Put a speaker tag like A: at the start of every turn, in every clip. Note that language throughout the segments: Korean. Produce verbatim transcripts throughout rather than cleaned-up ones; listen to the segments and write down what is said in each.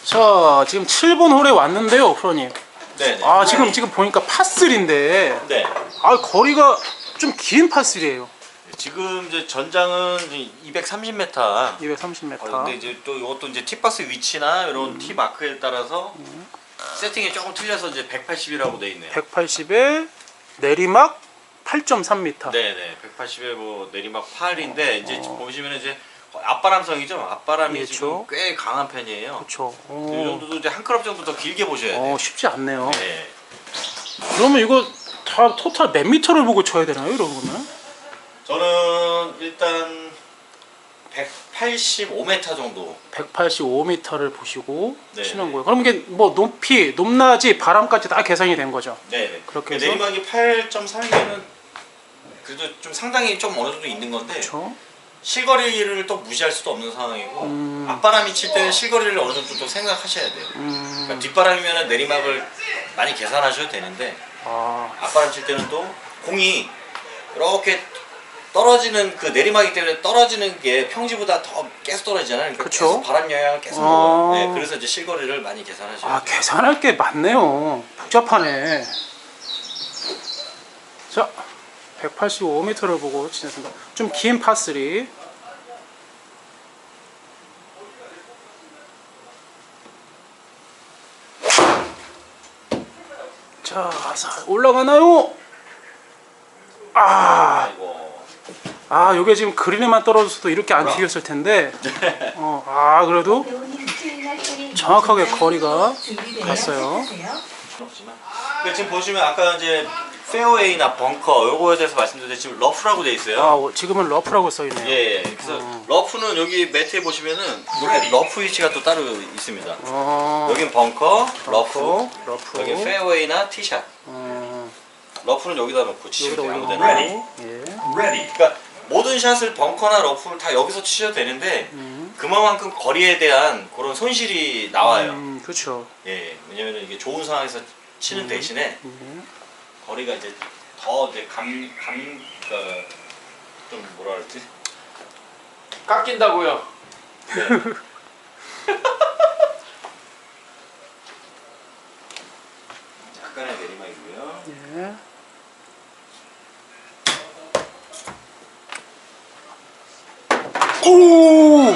A: 자, 지금 칠 번 홀에 왔는데요, 프로님.
B: 네.
A: 아, 지금 지금 보니까 파삼인데.
B: 네.
A: 아, 거리가 좀 긴 파삼이에요.
B: 지금 이제 전장은 이백삼십 미터.
A: 이백삼십 미터.
B: 어, 근데 이제 또 이것도 이제 티박스 위치나 이런 음. 티 마크에 따라서 음. 세팅이 조금 틀려서 이제 백팔십이라고 돼 있네요.
A: 백팔십에 내리막 팔 점 삼 미터.
B: 네네. 백팔십에 뭐 내리막 팔인데 어, 이제 어. 보시면 이제 앞바람성이죠. 앞바람이 그렇죠. 지금 꽤 강한 편이에요.
A: 그렇죠.
B: 이 정도도 이제 한 클럽 정도 더 길게 보셔야 돼요.
A: 어, 쉽지 않네요.
B: 네.
A: 그러면 이거 다 토탈 몇 미터를 보고 쳐야 되나요, 이러면?
B: 저는 일단 백팔십오 미터 정도.
A: 백팔십오 미터를 보시고 네, 치는
B: 네.
A: 거예요. 그럼 이게 뭐 높이, 높낮이, 바람까지 다 계산이 된 거죠?
B: 네.
A: 그렇게 해서
B: 내리막이 팔 점 삼이면은 그래도 좀 상당히 좀 어느 정도 있는 건데.
A: 그렇죠.
B: 실거리를 또 무시할 수도 없는 상황이고 음. 앞바람이 칠 때는 실거리를 어느 정도 또 생각하셔야 돼요. 음. 그러니까 뒷바람이면 내리막을 많이 계산하셔도 되는데
A: 아.
B: 앞바람 칠 때는 또 공이 이렇게 떨어지는 그 내리막이기 때문에 떨어지는 게 평지보다 더 계속 떨어지잖아요. 그러니까 계속 바람 영향을 계속
A: 아.
B: 먹어요. 네, 그래서 이제 실거리를 많이 계산하셔야
A: 아,
B: 돼요.
A: 계산할 게 많네요. 복잡하네. 자, 백팔십오 미터를 보고 치겠습니다. 좀 긴 파삼. 자, 올라가나요? 아, 아, 요게 지금 그린에만 떨어졌어도 이렇게 안 튀겼을 텐데. 어, 아, 그래도 정확하게 거리가 갔어요.
B: 근데 지금 보시면 아까 이제 페어웨이나 벙커 요거에 대해서 말씀드렸는데 지금 러프라고 돼 있어요.
A: 아, 지금은 러프라고 써 있네요.
B: 예, 예. 그래서 어. 러프는 여기 매트에 보시면은 여기 러프 위치가 또 따로 있습니다. 어. 여긴 벙커, 러프, 러프, 러프. 여기 페어웨이나 티샷. 어. 러프는 여기다 놓고 치시면 돼요. 아무 데나.
A: 예.
B: 그러니까 모든 샷을 벙커나 러프를 다 여기서 치셔도 되는데 음. 그만큼 거리에 대한 그런 손실이 나와요.
A: 음, 그렇죠.
B: 예, 왜냐면 이게 좋은 상황에서 치는 음. 대신에 음. 거리가 이제 더 이제 감, 감, 그, 좀 뭐라 그러지?
C: 깎인다고요.
B: 네. 약간의 내리막이고요.
A: 예. 오!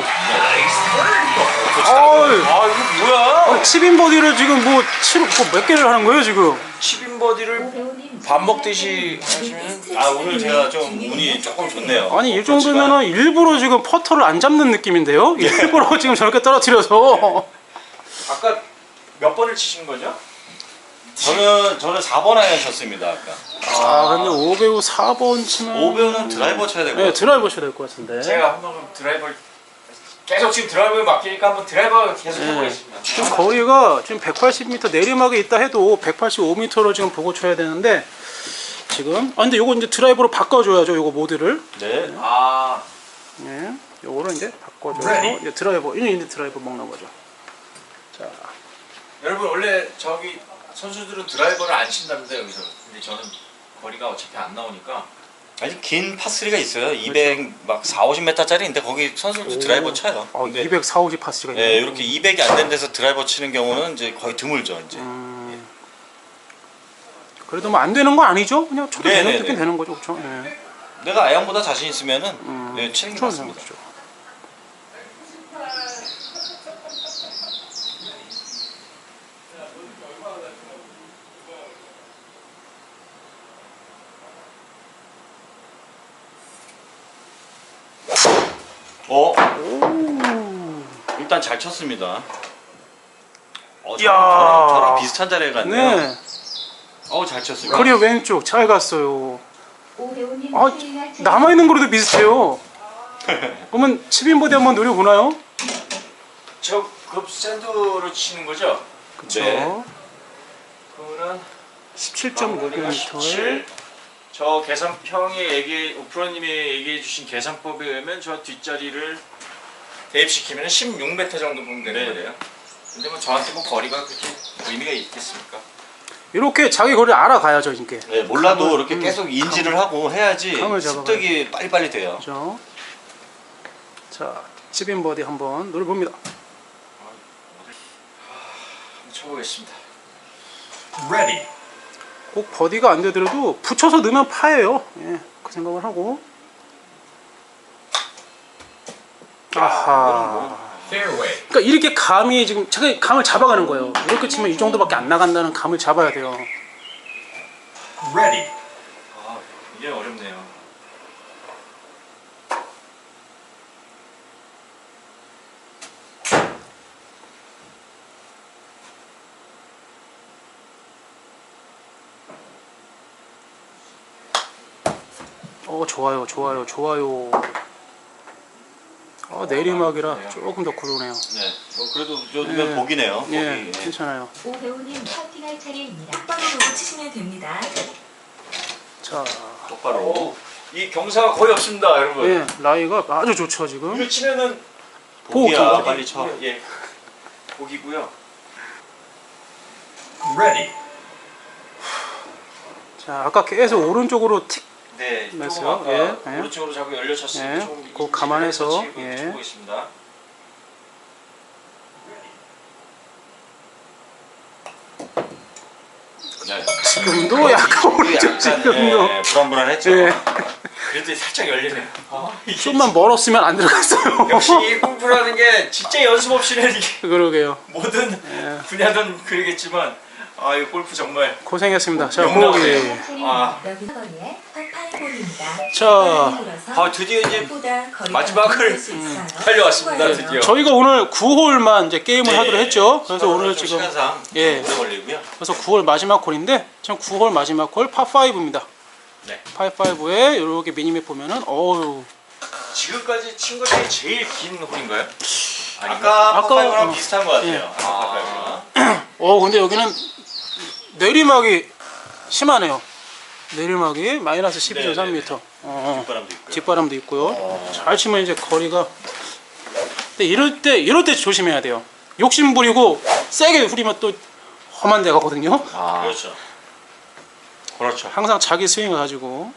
C: 아, 이거 뭐야?
A: 칩인 버디를 지금 뭐, 칠, 뭐 몇 개를 하는 거예요, 지금?
C: 칩인 버디를 밥 먹듯이 하시면.
B: 아, 오늘 제가 좀 운이 조금 좋네요.
A: 아니, 이 정도면은 일부러 지금 퍼터를 안 잡는 느낌인데요? 일부러 지금 저렇게 떨어뜨려서.
C: 아까 몇 번을 치신 거죠?
B: 저는 저는 사 번 아이언 쳤습니다 아까.
A: 아, 근데 오 배우 사 번 치면
B: 오 배우는 드라이버 쳐야 될 것 같아요.
A: 네, 드라이버 쳐야 될 것 같은데.
C: 제가 한번 드라이버를 계속 지금 드라이버에 맡기니까 한번 드라이버 계속
A: 네.
C: 해보겠습니다.
A: 지금 거리가 지금 백팔십 미터 내리막에 있다 해도 백팔십오 미터로 지금 보고 쳐야 되는데 지금 아 근데 요거 이제 드라이버로 바꿔줘야죠, 요거 모드를.
B: 네.
C: 아,
A: 네, 요거를 이제 바꿔줘서 이제 드라이버 이제 이제 드라이버 먹는 거죠. 자,
C: 여러분 원래 저기 선수들은 드라이버를 안 친다는데 여기서. 근데 저는 거리가 어차피 안 나오니까.
B: 아주 긴 파쓰리가 있어요. 이백 막 사, 오십 미터짜리인데 거기 선수들 드라이버 쳐요.
A: 아, 이백 사, 오십 파스가 있네요.
B: 네, 이렇게 이백이 안 된 데서 드라이버 치는 경우는 이제 거의 드물죠, 이제.
A: 음, 그래도 뭐 안 되는 거 아니죠? 그냥 쳐도
B: 네,
A: 되는
B: 네,
A: 되긴
B: 네.
A: 되는 거죠, 그렇죠? 네.
B: 내가 아이언보다 자신 있으면은
A: 음,
B: 네, 치는 게 맞습니다.
A: 거죠.
B: 어?
A: 오.
B: 일단 잘 쳤습니다. 어,
A: 이야.
B: 저랑, 저랑 비슷한 자리에 갔네요.
A: 네.
B: 어, 잘 쳤습니다.
A: 거리 왼쪽 잘 갔어요. 아, 남아 있는 거로도 비슷해요. 그러면 칩인 버디 한번 노려보나요?
C: 저급 샌드로 치는 거죠?
A: 그렇죠.
B: 네.
C: 그러면
A: 십칠 점 육 미터에
C: 십칠. 저 계산 형이 얘기 오프로님이 얘기해 주신 계산법에 의하면 저 뒷자리를 대입시키면 십육 미터 정도 보면 되는
B: 네.
C: 거예요. 근데 뭐 저한테 뭐 거리가 그렇게 의미가 있겠습니까?
A: 이렇게 자기 거리를 알아가야죠, 이게.
B: 네, 몰라도
A: 감을,
B: 이렇게
A: 음,
B: 계속 인지를 하고 해야지
A: 감을 잡아가요.
B: 습득이 빨리빨리 돼요.
A: 그렇죠. 자, 칩인 버디 한번 노려봅니다.
C: 쳐보겠습니다.
D: Ready.
A: 꼭 버디가 안 되더라도 붙여서 넣으면 파예요. 예, 그 생각을 하고. 아하.
D: Fairway.
A: 그러니까 이렇게 감이 지금 제가 감을 잡아가는 거예요. 이렇게 치면 이 정도밖에 안 나간다는 감을 잡아야 돼요.
D: Ready.
C: 아, 이게 어렵네요.
A: 어 좋아요, 좋아요, 좋아요. 어, 내리막이라 조금 더 구르네요.
B: 네. 뭐 그래도 이 정도면
A: 예.
B: 복이네요. 복이.
A: 예,
B: 예.
A: 괜찮아요.
E: 오 배우님 파팅할 차례입니다.
F: 똑바로 보고 치시면 됩니다.
A: 자,
B: 똑바로.
C: 오, 이 경사가 거의 없습니다, 여러분.
A: 예, 라이가 아주 좋죠 지금.
C: 이거 치면은
B: 복이야.
A: 복이.
B: 빨리 쳐.
C: 예, 복이고요.
D: Ready.
A: 자, 아까 계속 오른쪽으로 틱.
C: 네, 조금
A: 됐어요.
C: 아까
A: 예, 예.
C: 오른쪽으로 자꾸 열려 쳤으니까
A: 예,
C: 조금
A: 그거 감안해서,
C: 치고
A: 예.
C: 치고 있습니다.
B: 네.
A: 지금도 약간 오른쪽
B: 약간
A: 지금도.
B: 예, 불안불안했죠.
A: 예,
C: 그래도 살짝 열리네요. 아, 이게
A: 좀만 멀었으면 안 들어갔어요.
C: 역시 이 골프라는 게 진짜 연습 없이는 이게
A: 그러게요.
C: 모든
A: 예.
C: 분야든 그러겠지만 아, 이 골프 정말
A: 고생했습니다. 자,
C: 영광이네요.
A: 보기.
C: 아.
E: 여기
F: 거리에 파파이볼입니다.
A: 자,
C: 아, 드디어 이제
F: 보다 거리가
C: 마지막을
F: 넓을 수 있어요.
C: 달려왔습니다,
F: 수고하세요.
C: 드디어.
A: 저희가 오늘 구 홀만 이제 게임을
B: 네.
A: 하기로 했죠. 그래서
B: 시간은
A: 오늘
B: 좀
A: 지금
B: 시간상
A: 예.
B: 오래 걸리고요.
A: 그래서 구 홀 마지막 홀인데 지금 구 홀 마지막 홀 파오입니다.
B: 네.
A: 파오에 이렇게 미니맵 보면은 어우
C: 지금까지 친 것 중에 제일 긴 홀인가요?
B: 아까
A: 아까,
B: 파파이브랑
A: 어.
B: 비슷한 것 같아요.
A: 예.
B: 아까 파파이브랑.
A: 어 근데 여기는 내리막이 심하네요. 내리막이 마이너스 십이 점 삼 미터. 어,
B: 뒷바람도 있고요.
A: 뒷바람도 있고요. 잘 치면 이제 거리가. 근데 이럴 때 이럴 때 조심해야 돼요. 욕심 부리고 세게 후리면 또 험한 데 가거든요.
C: 아,
B: 그렇죠.
C: 그렇죠.
A: 항상 자기 스윙을 가지고.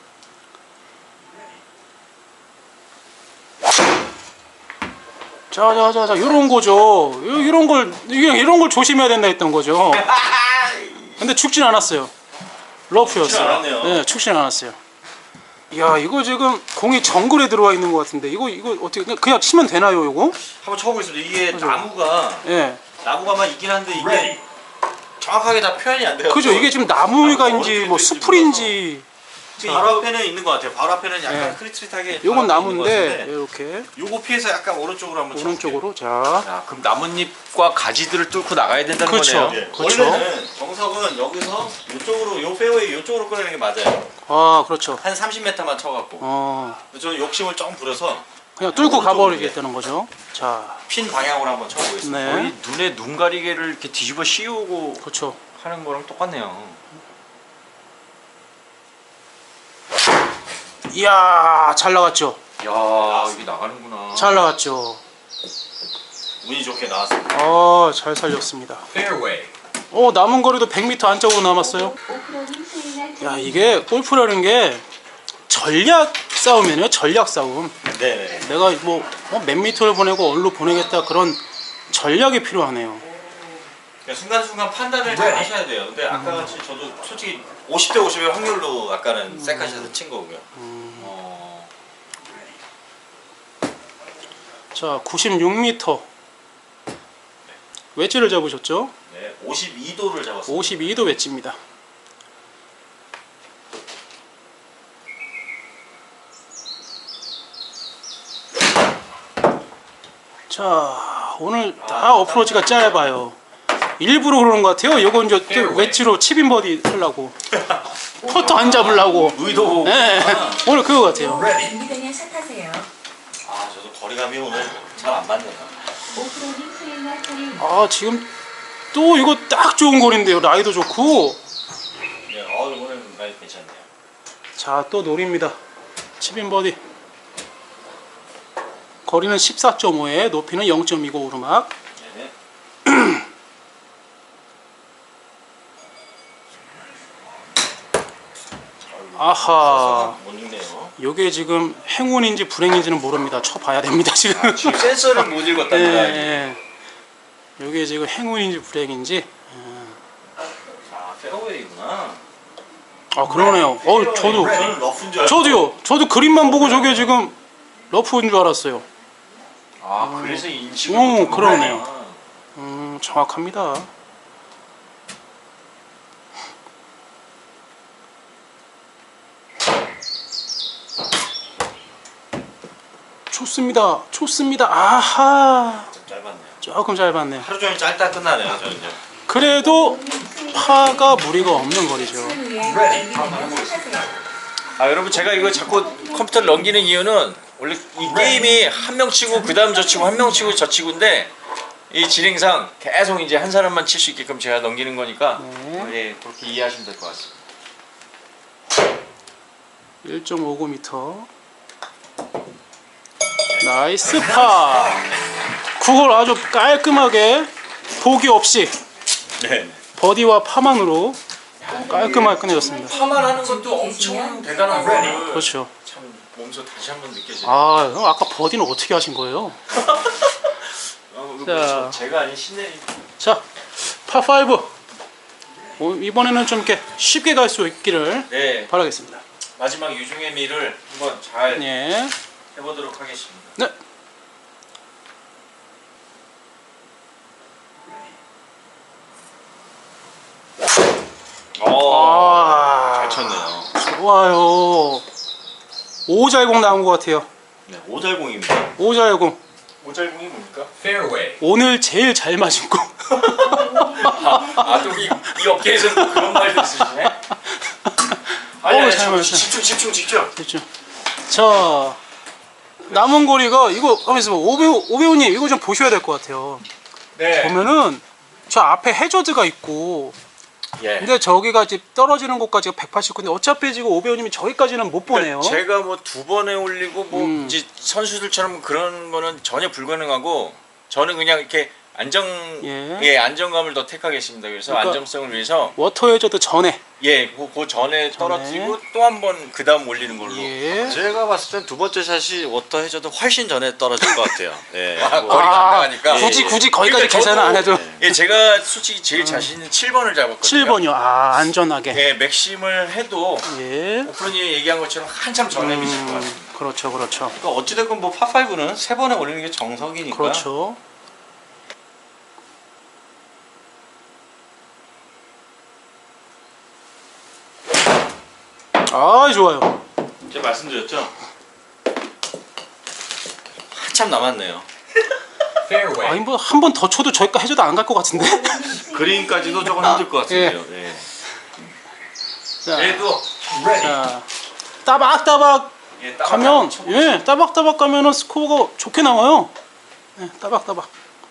A: 자자자자 이런 거죠. 이런 걸 이게 이런 걸 조심해야 된다 했던 거죠. 근데 죽진 않았어요. 러프였어요.
B: 죽진 않았네요.
A: 네, 죽진 않았어요. 야 이거 지금 공이 정글에 들어와 있는 것 같은데 이거 이거 어떻게 그냥, 그냥 치면 되나요 이거?
B: 한번 쳐보겠습니다. 이게
A: 그죠.
B: 나무가
A: 예.
B: 나무가만 있긴 한데 이게
D: Ready.
B: 정확하게 다 표현이 안 돼요.
A: 그죠 이게 지금 나무가인지 뭐 숲풀인지
B: 바로 앞에는 있는 것 같아요. 바로 앞에는 약간
A: 예.
B: 흐릿흐릿하게.
A: 요건
B: 바로 앞에 있는 것
A: 나무인데
B: 같은데
A: 이렇게
B: 요거 피해서 약간 오른쪽으로 한번
A: 오른쪽으로 자
C: 야, 그럼 나뭇잎과 가지들을 뚫고 나가야 된다는
A: 그렇죠.
C: 거네요.
B: 예.
A: 그렇죠.
B: 원래는 정석은 여기서 이쪽으로 요 페어웨이 이쪽으로 끌어내는 게 맞아요.
A: 아 그렇죠.
B: 한 삼십 미터만 쳐갖고.
A: 어
B: 저는 욕심을 좀 부려서
A: 그냥 뚫고
B: 오른쪽으로
A: 가버리겠다는 거죠. 자
B: 핀 방향으로 한번 쳐보겠습니다.
A: 네.
C: 거의 눈에 눈 가리개를 이렇게 뒤집어 씌우고
A: 그렇죠.
C: 하는 거랑 똑같네요.
A: 이야 잘 나갔죠.
C: 야, 이게 나가는구나.
A: 잘 나갔죠.
B: 운이 좋게 나왔습니다.
A: 아잘 살렸습니다.
D: Fairway.
A: 어 남은 거리도 백 미터 안쪽으로 남았어요.
E: 오프로님 수행할
A: 야
E: 차례입니다.
A: 이게 골프라는 게 전략 싸움이네요. 전략 싸움.
B: 네네.
A: 내가 뭐 몇 미터를 보내고 어디로 보내겠다 그런 전략이 필요하네요.
B: 그러니까 순간순간 판단을 잘 하셔야 돼요. 근데 아까 같이 저도 솔직히 오십 대 오십의 확률로 아까는 세컨샷을 친 거고요. 어,
A: 자 구십육 미터 웨지를 잡으셨죠?
B: 네, 오십이 도를 잡았습니다.
A: 오십이 도 웨지입니다. 자 오늘 다 어프로치가 짧아요. 일부러 그러는 것 같아요. 요거 이제 또 웨지로 칩인 버디 하려고 퍼터 안 잡으려고.
B: 의도.
A: 네. 오늘 그거 같아요.
F: 준비되면 샷하세요.
B: 아 저도 거리감이 오늘 잘 안 맞네요.
E: 오프로님 수행할 차례입니다.
A: 아 지금 또 이거 딱 좋은 거리인데요. 라이도 좋고.
B: 네, 어 오늘 많이 괜찮네요.
A: 자 또 노립니다. 칩인 버디. 거리는 십사 점 오에 높이는 영 점 이고 오르막.
B: 네.
A: 아하.
B: 못 읽네요.
A: 요게 지금 행운인지 불행인지는 모릅니다. 쳐봐야 됩니다 지금.
C: 지금 센서를 못
A: 예,
C: 읽었답니다.
A: 예. 이게 지금 행운인지 불행인지.
B: 아 페어웨이구나.
A: 아 그러네요. 어 저도
B: 저는 러프인 줄 알고.
A: 저도요. 저도 그림만 보고 저게 지금 러프인 줄 알았어요.
C: 아 그래서 인식을
A: 오,
C: 못한
A: 그러네요.
C: 거구나.
A: 음 정확합니다. 좋습니다. 좋습니다. 아하.
B: 좀 짧았네요.
A: 조금 짧았네요.
B: 하루 종일 짧다 끝나네요 저는 이제.
A: 그래도 파가 무리가 없는 거리죠.
F: 후에 알기를 탓하세요.
C: 아 여러분 제가 이거 자꾸 컴퓨터를 넘기는 이유는 원래 이 게임이 한 명 치고 그 다음 저 치고 한 명 치고 저 치고인데 이 진행상 계속 이제 한 사람만 칠 수 있게끔 제가 넘기는 거니까
A: 네.
C: 예 그렇게 이해하시면 될 것 같습니다.
A: 일 점 오구 미터. 나이스 파. 그걸 아주 깔끔하게 보기 없이
B: 네.
A: 버디와 파만으로 깔끔하게 끝내줬습니다.
C: 파만 하는 것도 엄청 대단한 거를
A: 그렇죠.
C: 참 몸소 다시 한번 느껴지네요.
A: 아, 그럼 아까 버디는 어떻게 하신 거예요?
C: 어,
A: 자.
C: 자. 제가 아닌 신내림.
A: 자, 파오. 이번에는 좀 이렇게 쉽게 갈 수 있기를
C: 네
A: 바라겠습니다.
C: 마지막 유중의 미를 한번 잘
A: 예.
C: 해보도록 하겠습니다.
A: 네.
B: 어.
A: 아,
B: 잘 쳤네요.
A: 좋아요. 오잘공 나온 것 같아요.
B: 네, 오잘공입니다.
A: 오잘공.
C: 오잘공이 뭡니까?
D: Fairway.
A: 오늘 제일 잘 맞은 공.
C: 아또이 이 업계에서는 또 그런 말도 있으시네. 아니
A: 어우,
C: 아니
A: 잘
C: 저-
A: 맞았어요.
C: 집중 집중 집중.
A: 그렇죠. 자, 남은 거리가 이거 하면서 오배우 오배우님 이거 좀 보셔야 될 것 같아요.
C: 네.
A: 보면은 저 앞에 해저드가 있고,
C: 예.
A: 근데 저기가 지금 떨어지는 곳까지가 백팔십구인데 어차피 지금 오배우님이 저기까지는 못 보네요.
C: 제가 뭐 두 번에 올리고 뭐
A: 음.
C: 이제 선수들처럼 그런 거는 전혀 불가능하고 저는 그냥 이렇게 안정
A: 예.
C: 예, 안정감을 더 택하겠습니다. 그래서
A: 그러니까-
C: 안정성을 위해서
A: 워터 해저드 전에.
C: 예, 그, 그 전에 떨어뜨리고 또 한 번 그 다음 올리는 걸로.
A: 예.
B: 제가 봤을 땐 두 번째 샷이 워터 해저드 훨씬 전에 떨어질 것 같아요. 예.
C: 아,
B: 뭐,
C: 거리가 안
A: 아,
C: 나가니까.
A: 굳이 굳이 거기까지
C: 그러니까
A: 계산을
C: 저도-
A: 안 해도
C: 예, 제가 솔직히 제일 자신 있는 칠 번을 잡았거든요.
A: 칠 번이요. 아, 안전하게.
C: 예, 맥심을 해도
A: 예.
C: 오프로님이 얘기한 것처럼 한참 전에 미칠 것 같습니다.
A: 음, 그렇죠, 그렇죠.
B: 그러니까 어찌됐건 뭐 파파이브는 세 번에 올리는 게 정석이니까.
A: 그렇죠. 아, 좋아요.
B: 제가 말씀드렸죠. 한참 남았네요.
D: Fairway.
A: 아니 뭐 한 번 더 쳐도 저기까 해줘도 안 갈 것 같은데.
B: 그린까지도 조금 힘들 것 같은데요. 예.
A: 자,
C: 그래도
D: Ready.
A: 자, 따박따박
C: 예, 따박
A: 가면,
C: 한번 쳐보죠.
A: 예, 따박따박 가면은 스코어가 좋게 나와요. 예, 따박따박.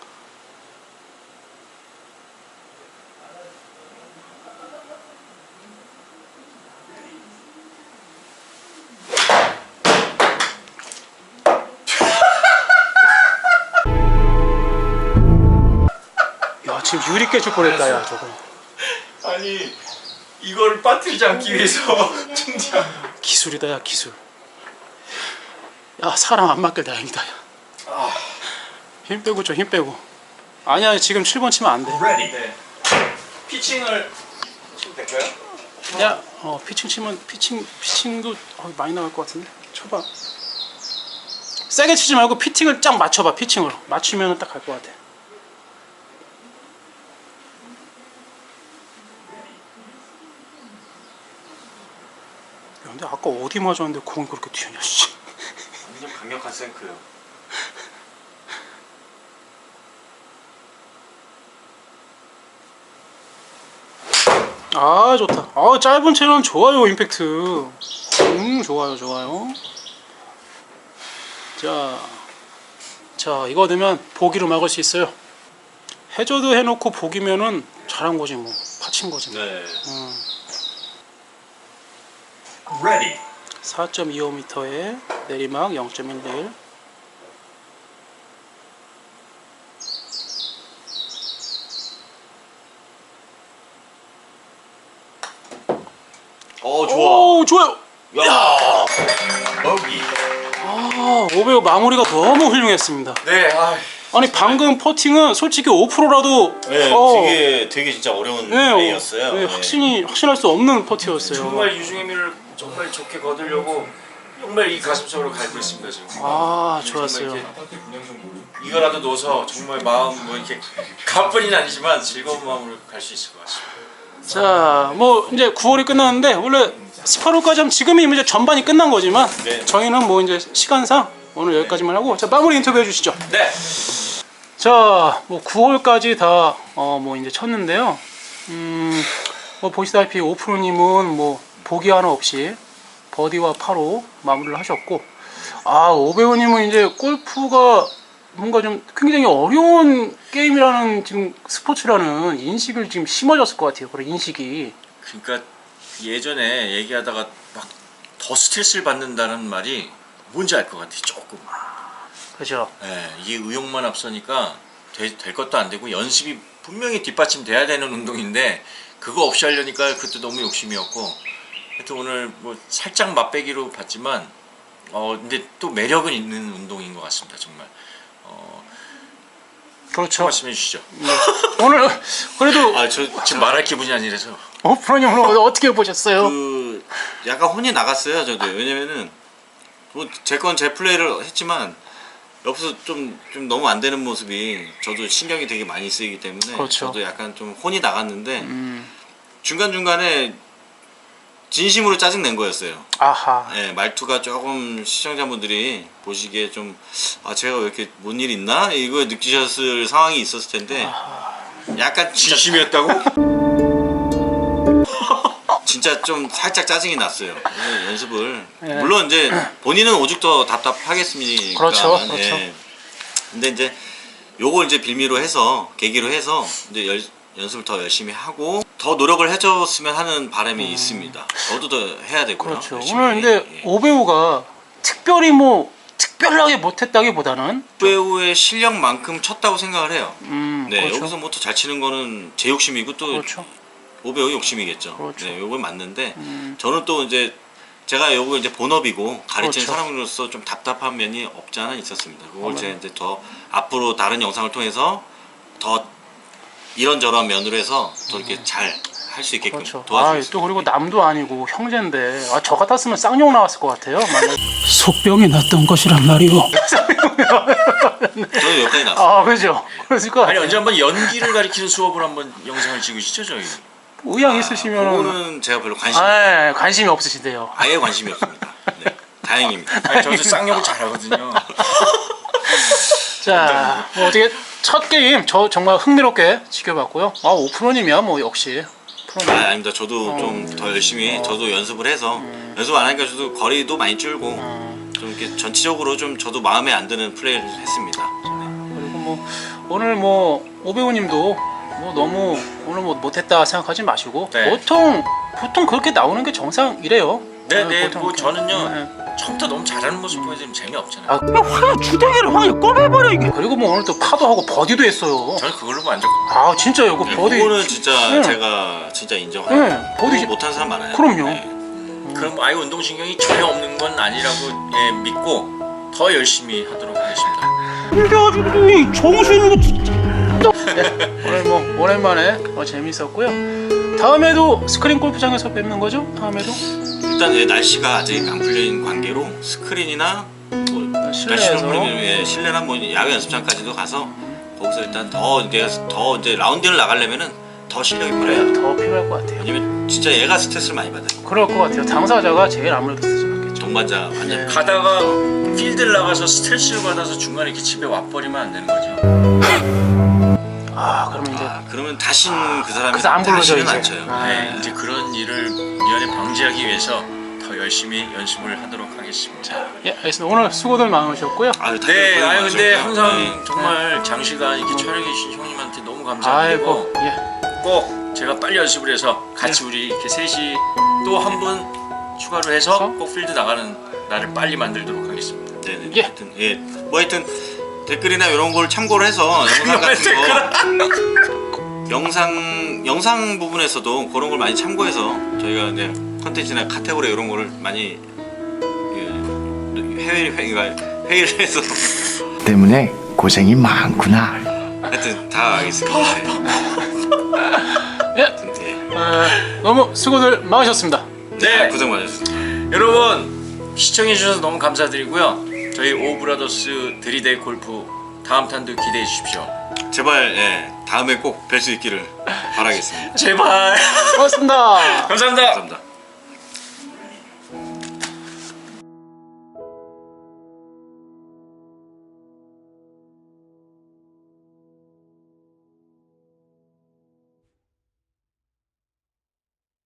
A: 야, 지금 유리 깨질 뻔했다, 야, 저거.
C: 아니 이걸 빠뜨리지 않기 위해서 진짜
A: 기술이다, 야, 기술. 야, 사람 안 맞길 다행이다, 야.
C: 아,
A: 힘 빼고 쳐, 힘 빼고. 아니야, 지금 칠 번 치면 안 돼.
D: Ready.
C: 네. 피칭을 치면 될까요?
A: 야, 어, 피칭 치면 피칭 피칭도 어, 많이 나갈 것 같은데. 쳐봐. 세게 치지 말고 피팅을 쫙 맞춰봐. 피칭으로 맞추면 딱 갈 것 같아. 야, 근데 아까 어디 맞았는데 공이 그렇게 튀냐, 씨.
C: 완전 강력한 생크예요.
A: 아, 좋다. 아, 짧은 채는 좋아요, 임팩트. 음, 좋아요, 좋아요. 자, 자, 이거 되면 보기로 막을 수 있어요. 해저드 해놓고 보기면은 잘한 거지 뭐, 파친 거지 뭐.
B: 네.
A: 음,
D: Ready.
A: 사 점 이오 미터에 내리막 영 점 일일.
B: 어 좋아.
A: 오, 좋아요.
B: 야.
D: Bogey.
A: 아, 오배우 마무리가 너무 훌륭했습니다.
C: 네, 아,
A: 아니 방금 퍼팅은 솔직히 오 퍼센트라도
B: 네,
A: 어,
B: 되게 되게 진짜 어려운
A: 네,
B: 플레이였어요.
A: 네,
B: 네.
A: 확신이 확신할 수 없는 퍼팅이었어요.
C: 정말 유중의미를 정말 좋게 거두려고 정말 이 가슴속으로 갈고 있습니다 지금.
A: 아
C: 정말
A: 좋았어요.
C: 이렇게 이거라도 넣어서 정말 마음 뭐 이렇게 가뿐히는 아니지만 즐거운 마음으로 갈 수 있을 것 같습니다.
A: 자, 뭐 이제 구월이 끝났는데 원래 십팔월까지 하면 지금이 이제 전반이 끝난 거지만
B: 네.
A: 저희는 뭐 이제 시간상 오늘 여기까지만 하고 자 마무리 인터뷰 해주시죠.
C: 네.
A: 자, 뭐 구월까지 다 어 뭐 이제 쳤는데요. 음, 뭐 보시다시피 오프로님은 뭐 보기 하나 없이 버디와 파로 마무리를 하셨고, 아 오배우님은 이제 골프가 뭔가 좀 굉장히 어려운 게임이라는 지금 스포츠라는 인식을 지금 심어졌을 것 같아요. 그런 인식이.
C: 그러니까 예전에 얘기하다가 막 더 스트레스를 받는다는 말이 뭔지 알 것 같아 조금.
A: 그죠?
C: 예, 이게 의욕만 앞서니까 되, 될 것도 안 되고 연습이 분명히 뒷받침돼야 되는 운동인데 그거 없이 하려니까 그때 너무 욕심이었고 하여튼 오늘 뭐 살짝 맛배기로 봤지만 어 근데 또 매력은 있는 운동인 것 같습니다 정말. 어,
A: 그렇죠.
C: 말씀해 주시죠.
A: 오늘 그래도
B: 아, 저
C: 지금 말할 기분이 아니라서.
A: 오프로님 오늘 어떻게 보셨어요?
B: 그 약간 혼이 나갔어요 저도. 왜냐면은 뭐 제 건 제 플레이를 했지만 옆에서 좀, 좀 너무 안 되는 모습이 저도 신경이 되게 많이 쓰이기 때문에
A: 그렇죠.
B: 저도 약간 좀 혼이 나갔는데
A: 음,
B: 중간중간에 진심으로 짜증낸 거였어요.
A: 아하.
B: 예, 말투가 조금 시청자분들이 보시기에 좀 아 제가 왜 이렇게 뭔 일 있나? 이거 느끼셨을 상황이 있었을 텐데 약간 진짜,
C: 진심이었다고?
B: 진짜 좀 살짝 짜증이 났어요. 그래서 연습을
A: 예.
B: 물론 이제 본인은 오죽 더 답답하겠습니까?
A: 그렇죠,
B: 예.
A: 그렇죠.
B: 근데 이제 요걸 이제 빌미로 해서 계기로 해서 이제 열, 연습을 더 열심히 하고 더 노력을 해줬으면 하는 바람이 있습니다. 저도 더 해야 되고요.
A: 음. 그렇죠.
B: 열심히.
A: 오늘 근데
B: 예.
A: 오배우가 특별히 뭐 특별하게 못했다기보다는
B: 배우의 실력만큼 쳤다고 생각을 해요.
A: 음,
B: 네,
A: 그렇죠.
B: 여기서 뭐 더 잘 치는 거는 제 욕심이고 또
A: 그렇죠.
B: 오배우 욕심이겠죠.
A: 그렇죠.
B: 네, 요건 맞는데
A: 음.
B: 저는 또 이제 제가 요거 이제 본업이고 가르치는
A: 그렇죠.
B: 사람으로서 좀 답답한 면이 없지 않아 있었습니다. 그걸
A: 어머나.
B: 제가 이제 더 앞으로 다른 영상을 통해서 더 이런저런 면으로 해서 더 이렇게 잘 할 수 있게끔
A: 그렇죠. 아,
B: 도와주겠습니다.
A: 또 그리고 남도 아니고 형제인데 아, 저 같았으면 쌍욕 나왔을 것 같아요. 속병이 났던 것이란 말이오.
B: 저는 여기까지 나왔어요.
A: 아, 그죠. 그러니까
C: 아니 언제 한번 연기를 가리키는 수업을 한번 영상을 찍으시죠 저희.
A: 의향 있으시면
B: 그거는 제가 별로 관심
A: 아, 관심이 없으신데요.
B: 아예 관심이 없습니다. 네, 다행입니다.
C: 아니, 저도 쌍욕을 잘하거든요.
A: 자, 뭐 어떻게 첫 게임 저 정말 흥미롭게 지켜봤고요. 아, 오프로님이야 뭐 역시.
B: 아, 아닙니다. 저도
A: 어.
B: 좀 더 열심히 저도 연습을 해서 연습 안 하니까 저도 거리도 많이 줄고 좀 이렇게 전체적으로 좀 저도 마음에 안 드는 플레이를 했습니다.
A: 그리고 뭐 오늘 뭐 오배우님도 뭐 너무 오늘 뭐 못했다 생각하지 마시고
C: 네.
A: 보통 보통 그렇게 나오는 게 정상이래요.
C: 네네
A: 보통
C: 뭐
A: 이렇게.
C: 저는요
A: 네.
C: 처음부터 너무 잘하는 모습 보여드리면 재미없잖아요.
A: 아, 그냥 확 주댕이를 확 꺼내버려 이게. 그리고 뭐 오늘 또 파도 하고 버디도 했어요.
C: 저는 그걸로 만족합니다.
A: 아 진짜요, 그 버디.
B: 그거는 진짜
A: 네.
B: 제가 진짜 인정해요.
A: 네, 버디
B: 그거 못하는 사람 많아요.
A: 그럼요.
B: 네.
C: 그럼 아예 운동신경이 전혀 없는 건 아니라고 예, 믿고 더 열심히 하도록 하겠습니다.
A: 그래가지고 이 정신이 거 진짜. 네, 오늘 뭐 오랜만에 어, 재밌었고요. 다음에도 스크린 골프장에서 뵙는 거죠? 다음에도
B: 일단 예, 날씨가 아직 안 풀린 관계로 스크린이나 뭐
A: 실내에서?
B: 날씨는 풀리면 예, 실내나 뭐 야외 연습장까지도 가서 거기서 일단 더 이제 더 이제 라운딩을 나가려면은 더 실력이 필요해요.
A: 더 필요할 것 같아요.
B: 왜냐면 진짜 얘가 스트레스를 많이 받아요.
A: 그럴 것 같아요. 당사자가 제일 아무래도 스트레스 받겠죠.
B: 동반자 완전
A: 네.
C: 가다가 필드를 나가서 스트레스를 받아서 중간에 이렇게 집에 와버리면 안 되는 거죠.
A: 아, 그러면 이제
B: 아, 그러면 다시는 그 사람이
A: 그래서 안 불러줘,
B: 다시는 안
A: 이제.
B: 쳐요.
A: 아.
C: 네, 이제 그런 일을 미연에 방지하기 위해서 더 열심히 연습을 하도록 하겠습니다.
A: 예, 알겠습니다. 오늘 수고들 많으셨고요.
B: 아유, 다들
C: 네,
B: 고생
C: 아유 근데
B: 많으셨고요.
C: 항상
B: 네.
C: 정말 장시간 이렇게 촬영해 주신 형님한테 너무 감사드리고
A: 아이고, 예.
C: 꼭 제가 빨리 연습을 해서 같이 우리 이렇게 셋이 또 한 분 추가로 해서
A: 그래서?
C: 꼭 필드 나가는 날을 빨리 만들도록 하겠습니다.
B: 네네.
A: 예.
B: 하여튼 예. 뭐 하여튼 댓글이나 이런 걸 참고를 해서 영상 같은 거 영상 영상 부분에서도 그런 걸 많이 참고해서 저희가 이제 컨텐츠나 카테고리 이런 거를 많이 예, 회의 회의가 회의를 해서
G: 때문에 고생이 많구나.
C: 하여튼 다 알겠습니다.
A: 예,
C: 하여튼, 예.
A: 어, 너무 수고들 많으셨습니다.
C: 네, 고생 많으셨습니다. 여러분 시청해 주셔서 너무 감사드리고요. 저희 오브라더스 들이대 골프 다음 탄도 기대해 주십시오. 제발 예, 다음에 꼭 뵐 수 있기를 바라겠습니다. 제발.
A: 고맙습니다.
C: 감사합니다. 감사합니다.